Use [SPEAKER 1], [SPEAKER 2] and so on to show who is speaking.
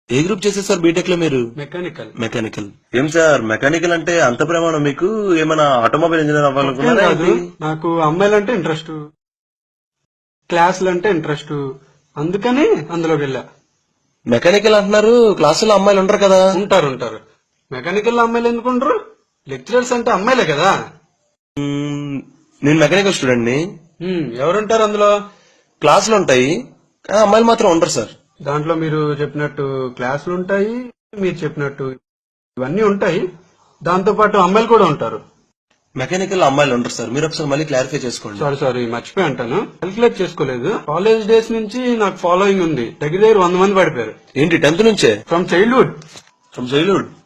[SPEAKER 1] ఏ group చేశారు sir B Tech లో మీరు?
[SPEAKER 2] మెకానికల్.
[SPEAKER 1] మెకానికల్. ఏం సార్ మెకానికల్ అంటే అంత ప్రమాణం మీకు? ఏమైనా ఆటోమొబైల్ ఇంజనీర్ అవ్వాలనుకున్నారా?
[SPEAKER 2] నాకు అమ్మాయిలంటే ఇంట్రెస్ట్, క్లాసులు అంటే ఇంట్రెస్ట్, అందుకని అందులోకి వెళ్ళా.
[SPEAKER 1] మెకానికల్ అంటున్నారు, క్లాసులో అమ్మాయిలు ఉంటారు కదా?
[SPEAKER 2] ఉంటారు. మెకానికల్ లో అమ్మాయిలు ఎందుకు ఉండరు? లెక్చరర్స్ అంటే అమ్మాయిలే కదా.
[SPEAKER 1] నేను మెకానికల్ స్టూడెంట్ ని.
[SPEAKER 2] ఎవరుంటారు అందులో?
[SPEAKER 1] క్లాసులు ఉంటాయి కానీ అమ్మాయిలు మాత్రం ఉండరు సార్.
[SPEAKER 2] దాంట్లో మీరు చెప్పినట్టు క్లాసులు ఉంటాయి, మీరు చెప్పినట్టు ఇవన్నీ ఉంటాయి, దాంతో పాటు అమ్మాయిలు కూడా ఉంటారు.
[SPEAKER 1] మెకానికల్ అమ్మాయిలు ఉంటారు సార్, మీరు ఒకసారి మళ్ళీ క్లారిఫై చేసుకోండి.
[SPEAKER 2] సారీ మర్చిపోయి అంటాను, క్యాల్కులేట్ చేసుకోలేదు. కాలేజ్ డేస్ నుంచి నాకు ఫాలోయింగ్ ఉంది, దగ్గర 100 మంది పడిపోయారు.
[SPEAKER 1] ఏంటి 10th నుంచే?
[SPEAKER 2] From childhood.